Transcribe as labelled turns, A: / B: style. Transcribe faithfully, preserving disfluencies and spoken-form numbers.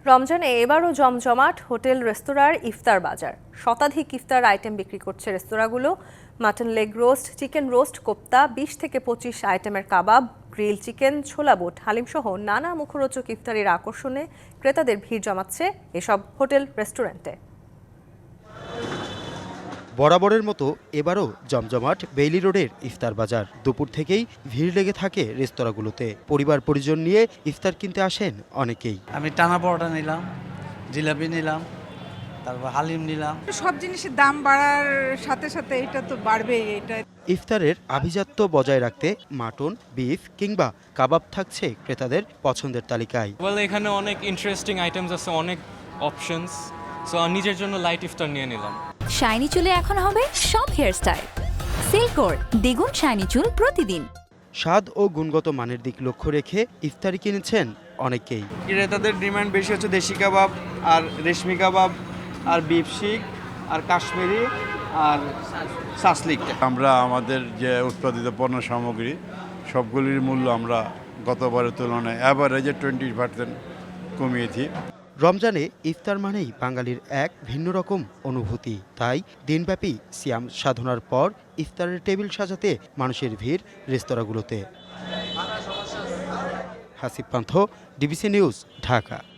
A: রমজানে এবারও জমজমাট হোটেল রেস্তোরাঁর ইফতার বাজার। শতাধিক ইফতার আইটেম বিক্রি করছে রেস্তোরাঁগুলো। Mutton leg roast, chicken roast, kofta, বিশ থেকে পঁচিশ আইটেমের কাবাব, গ্রিল চিকেন, ছোলা বুট, হালিমসহ নানা মুখরোচক ইফতারির আকর্ষণে ক্রেতাদের ভিড় জমাচ্ছে এসব হোটেল রেস্টুরেন্টে।
B: বরাবরের মতো এবারও জমজমাট বেইলি রোডের ইফতার বাজার। দুপুর থেকেই ভিড় লেগে থাকে রেস্তোরাঁগুলোতে। পরিবার পরিজন নিয়ে ইফতার কিনতে আসেন অনেকেই।
C: আমি টানা পরোটা নিলাম, জিলাপি নিলাম, তারপর হালিম নিলাম।
D: সব জিনিসের দাম বাড়ার সাথে সাথে এটা তো বাড়বেই। এটা
B: ইফতারের আভিজাত্য বজায় রাখতে মাটন, বিফ কিংবা কাবাব থাকছে ক্রেতাদের পছন্দের তালিকায়।
E: ওয়েল এখানে অনেক ইন্টারেস্টিং আইটেমস আছে, অনেক অপশনস, সো নিজের জন্য লাইট ইফতার নিয়ে নিলাম।
F: শাইনি চুলে এখন হবে সব হেয়ারস্টাইল। সিল্কোর দ্বিগুণ শাইনি চুল প্রতিদিন।
B: স্বাদ ও গুণগত মানের দিক লক্ষ্য রেখে ইফতারি কিনেছেন অনেকেই।
G: ক্রেতাদের ডিমান্ড বেশি হচ্ছে দেশি কাবাব আর রেশমি কাবাব আর বিফ শিক আর কাশ্মীরি আর সাসলিক।
H: আমরা আমাদের যে উৎপাদিত পণ্য সামগ্রী সবগুলির মূল্য আমরা গতবারের তুলনায় অ্যাভারেজে টোয়েন্টি পার্সেন্ট কমিয়েছি।
B: রমজানে ইফতার মানেই বাঙালির এক ভিন্ন রকম অনুভূতি। তাই দিনব্যাপী সিয়াম সাধনার পর ইফতারের টেবিল সাজাতে মানুষের ভিড় রেস্তোরাঁগুলোতে। Hasib Panth, DBC news, Dhaka.